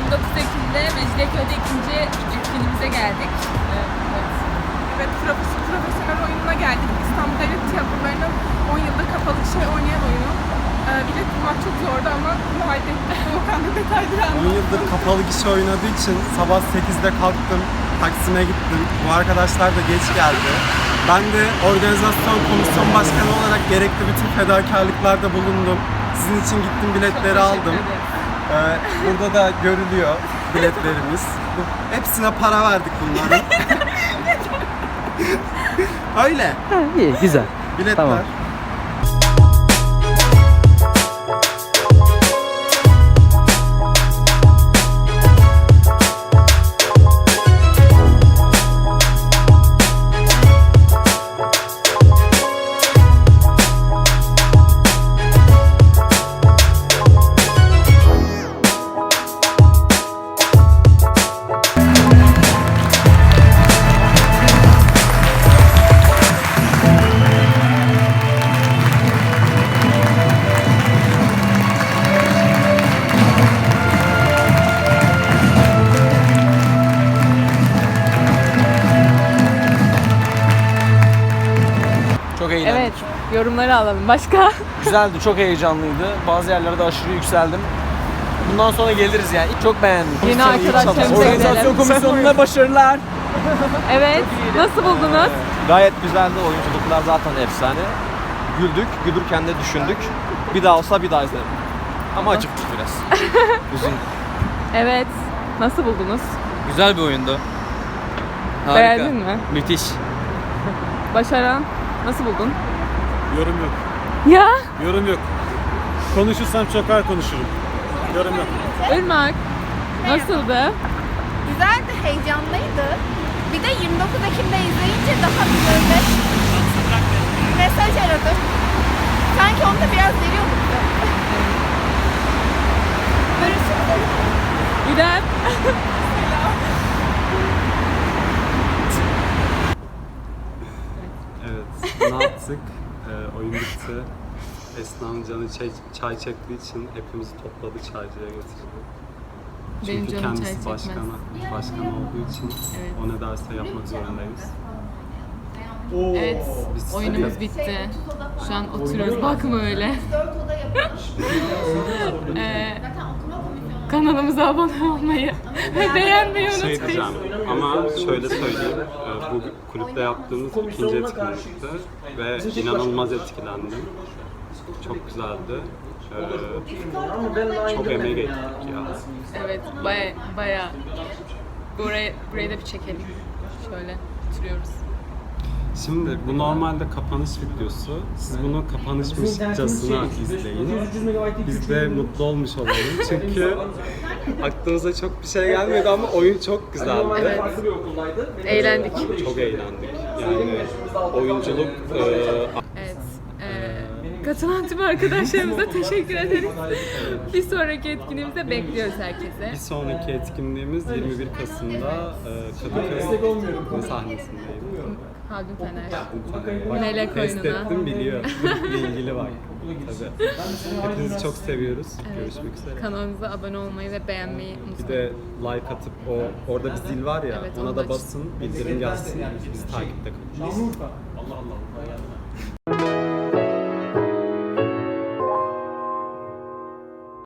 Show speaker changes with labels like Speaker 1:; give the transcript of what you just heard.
Speaker 1: 29 Ekim'de Mecidiyeköy'de ikinci etkinliğimize geldik.
Speaker 2: Evet, profesyonel oyununa geldik. İstanbul Devlet Tiyatroları'nın 10 yıldır kapalı oynayan oyunu. Bilet bulmak çok zordu ama bunu hallettik. Volkan da detayları
Speaker 3: 10 yıldır kapalı gişe oynadığı için sabah 8'de kalktım, Taksim'e gittim. Bu arkadaşlar da geç geldi. Ben de organizasyon komisyon başkanı olarak gerekli bütün fedakarlıklarda bulundum. Sizin için gittim, biletleri aldım. Burada da görülüyor biletlerimiz. Hepsine para verdik bunların. Öyle.
Speaker 4: Ha, iyi, güzel.
Speaker 3: Biletler.
Speaker 4: Tamam.
Speaker 5: Çok eğlendik.
Speaker 1: Evet, yorumları alalım. Başka?
Speaker 5: Güzeldi, çok heyecanlıydı. Bazı yerlerde aşırı yükseldim. Bundan sonra geliriz yani. Çok beğendim.
Speaker 1: Yeni arkadaşlarımıza
Speaker 5: Organizasyon
Speaker 1: gidelim.
Speaker 5: komisyonuna başarılar.
Speaker 1: Evet, nasıl buldunuz?
Speaker 6: Gayet güzeldi. Oyunculuklar zaten efsane. Güldük, gülürken de düşündük. Bir daha olsa bir daha izlerim. Ama acıktık biraz. Uzun.
Speaker 1: Evet, nasıl buldunuz?
Speaker 7: Güzel bir oyundu. Harika.
Speaker 1: Beğendin mi?
Speaker 7: Müthiş.
Speaker 1: Başaran, nasıl buldun?
Speaker 8: Yorum yok.
Speaker 1: Ya,
Speaker 8: Yorum yok. Konuşursam çok ağır konuşurum. Yorum yok.
Speaker 1: Irmak, nasıldı?
Speaker 9: Güzeldi, heyecanlıydı. Bir de 29 Ekim'de izleyince daha bir böyle mesaj aradım. Sanki onu da biraz veriyorduk da. Görüşürüz.
Speaker 1: İrem.
Speaker 3: Evet, ne yaptık? Oyun bitti. Esna'nın canı çay çektiği için hepimizi topladı, çaycıya getirdi.
Speaker 1: Benim
Speaker 3: Çünkü
Speaker 1: canım çay
Speaker 3: kendisi
Speaker 1: çekmez.
Speaker 3: başkan olduğu için
Speaker 1: Evet.
Speaker 3: o ne derse yapmak zorundayız.
Speaker 1: Evet,
Speaker 3: Biz
Speaker 1: oyunumuz bitti. Şu an oturuyoruz. Bakma öyle. Kanalımıza abone olmayı ve beğenmeyi
Speaker 3: Şey
Speaker 1: unutmayın.
Speaker 3: diyeceğim ama şöyle söyleyeyim, bu kulüpte yaptığımız ikinci etkinlikti ve inanılmaz etkilendim. Çok güzeldi. Çok emeğe geçtik ya.
Speaker 1: Evet, baya. Burayı da bir çekelim. Şöyle oturuyoruz.
Speaker 3: Şimdi bu normalde kapanış videosu. Siz bunu kapanışmışçasına izleyin. Biz de mutlu olmuş olalım. Çünkü aklımıza çok bir şey gelmedi ama oyun çok güzeldi.
Speaker 1: Evet. Eğlendik.
Speaker 3: Çok eğlendik. Yani oyunculuk
Speaker 1: Evet. Katılan tüm arkadaşlarımıza teşekkür ederiz. Bir sonraki etkinliğimize bekliyoruz herkese.
Speaker 3: bir sonraki etkinliğimiz 21 Kasım'da Kadıköy sahnesindeyim.
Speaker 1: Haldun Fener.
Speaker 3: Bak,
Speaker 1: Melek
Speaker 3: test
Speaker 1: oyununa.
Speaker 3: ettim, biliyor. Bilgili var. Tabii. Hepinizi çok seviyoruz. Görüşmek üzere.
Speaker 1: Kanalımıza abone olmayı ve beğenmeyi
Speaker 3: Bir
Speaker 1: unutmayın.
Speaker 3: de like atıp orada bir zil var ya,
Speaker 1: Evet,
Speaker 3: ona
Speaker 1: onu
Speaker 3: da
Speaker 1: aç.
Speaker 3: basın, bildirim gelsin. Bizi takipte kalın.